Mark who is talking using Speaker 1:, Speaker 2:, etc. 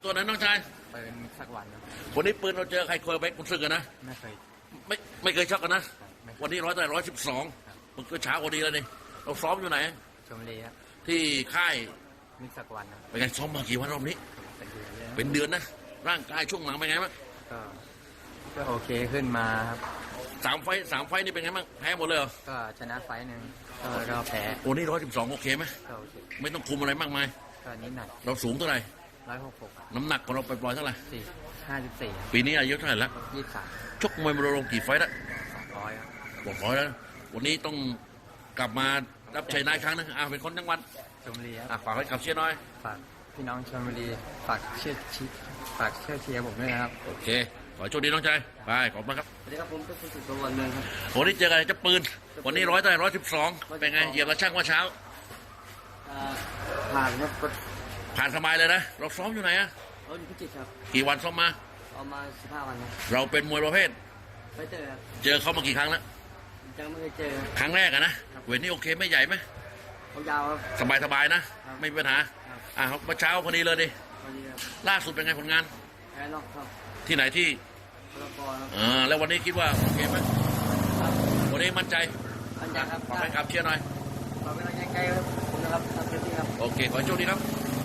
Speaker 1: ตัวนั้นน้องชาย
Speaker 2: ปืนสักวันครับ
Speaker 1: วันนี้ปืนเราเจอใครเคยไปกุนศึกกันนะ
Speaker 2: ไม่เคย
Speaker 1: ไม่เคยชกกันนะ
Speaker 2: ไม่เคย
Speaker 1: วันนี้100 มันก็ช้ากว่านี้แล้วนี่เราซ้อมอยู่ไหน
Speaker 2: ชมรีครับ
Speaker 1: ที่ค่าย
Speaker 2: มิกสักวันครับ
Speaker 1: เป็นไงซ้อมมากี่วันรอบนี้
Speaker 2: เป็นเดือนเลย
Speaker 1: เป็นเดือนนะร่างกายช่วงหลังเป็นไงบ้าง
Speaker 2: ก็ก็โอเคขึ้นมาครับ
Speaker 1: 3 ไฟต์นี่เป็นไงบ้างแพ้หมดเลยเหรอ
Speaker 2: ก็ชนะไฟต์หนึ่งก็แพ้
Speaker 1: วันนี้112โอเคไหม
Speaker 2: ก็โอเค
Speaker 1: ไม่ต้องคุมอะไรมากมาย
Speaker 2: ก็นิดหน่อย
Speaker 1: เราสูงเท่าไหร่
Speaker 2: 166
Speaker 1: น้ำหนักของเราไปปล่อยๆเท่าไหร่
Speaker 2: 54
Speaker 1: ปีนี้อายุเท่าไหร่แล้ว
Speaker 2: 23
Speaker 1: ชกมวยมาลงกี่ไฟต์แล้ว
Speaker 2: 200ครับ
Speaker 1: บอกร้อยแล้ว วันนี้ต้องกลับมารับชัยนาทอีกครั้งนึงเป็นคนจังหวัด
Speaker 2: ชมรีครับ
Speaker 1: ฝากให้ขับเชียร์หน่อย
Speaker 2: ฝากพี่น้องชมรีฝากเชียร์ผมด้วยนะครับ
Speaker 1: โอเค ขอโชคดีน้องชายไปขอบคุณครับ
Speaker 2: สวัสดีครับผมเป็นสุขวันเมืองครับ
Speaker 1: วันนี้เจอกันจะปืน วันนี้112เป็นไงเหยียบกระช่างว่าเช้า
Speaker 2: ผ่านครับก็
Speaker 1: ผ่านสบายเลยนะ เราซ้อมอยู่ไหนอะ
Speaker 2: รถอยู่พิจิตรครับ
Speaker 1: กี่วันซ้อมมา
Speaker 2: เอามา15 วันครับ
Speaker 1: เราเป็นมวยประเภท
Speaker 2: ไม่เจอครับ
Speaker 1: เจอเขามากี่ครั้งแล้ว
Speaker 2: ยังไม่เคยเจอ
Speaker 1: ครั้งแรกอะนะ เวทนี้โอเคไม่ใหญ่ไหม
Speaker 2: เขายาวครับ
Speaker 1: สบายนะ
Speaker 2: ครับ
Speaker 1: ไม่มีปัญหา
Speaker 2: ครับ
Speaker 1: เมื่อเช้าพอดีเลยดิ
Speaker 2: พอดีครับ
Speaker 1: ล่าสุดเป็นไงผลงาน
Speaker 2: แพ้นอกครับ
Speaker 1: ที่ไหนที่
Speaker 2: พลกรครับ
Speaker 1: แล้ววันนี้คิดว่าโอเคไหม
Speaker 2: ครับ
Speaker 1: วันนี้มั่นใจ
Speaker 2: ปัญญาครับ
Speaker 1: ขอให้ขับเชียร์หน่อย
Speaker 2: ขอเป็นกำลังใจครับผมนะครับทำเต็มที่ครับ
Speaker 1: โอเค ขอให้โชคดีครับ